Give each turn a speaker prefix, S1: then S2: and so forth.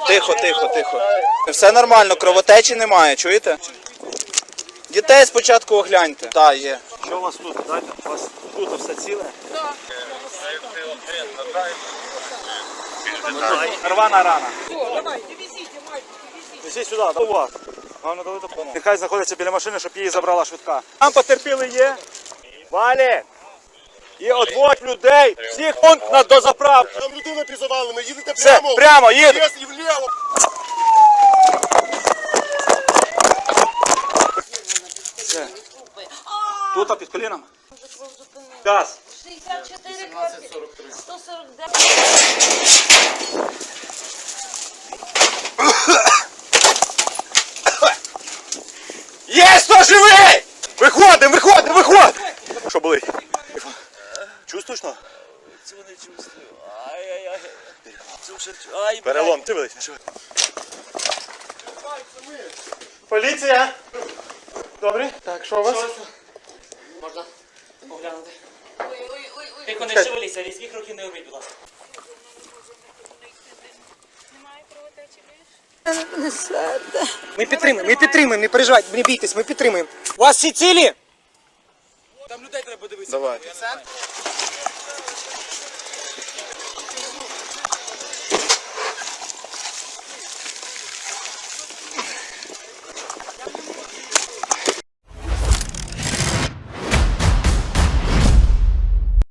S1: Тихо, тихо, тихо. Все нормально, кровотечі немає, чуєте? Дітей спочатку огляньте. Так, є.
S2: Що у вас тут? Дайте, у вас тут все ціле? Так. Рвана рана.
S3: Давай, везите, мальчики, везите.
S2: Везіть сюди, до вас. Вам надали допомогу. Нехай знаходиться біля машини, щоб її забрала швидка. Там потерпіли є. Валі! І одводь людей, всіх пункт на дозаправку.
S4: Там людина під завалами, їдете
S2: Все,
S4: прямо.
S2: прямо, їду.
S4: Вниз і вліво.
S2: Все. Тут, під коліном. Газ.
S5: 64 149.
S2: Є, хто живий? Виходимо, виходимо, виходимо. Що болить? Чувствуєш, що?
S6: Цього не чувствую. Ай-яй-яй. Ай,
S2: Перелом, ти великий, не живий. Поліція! Добре? Так, що у вас?
S6: Можна оглянути. Ой-ой-ой. Тихо, не шевеліться, різких рухів не робіть, будь ласка.
S3: Ми підтримуємо, не переживайте, не бійтесь, ми підтримуємо. У вас всі цілі?
S1: Давайте.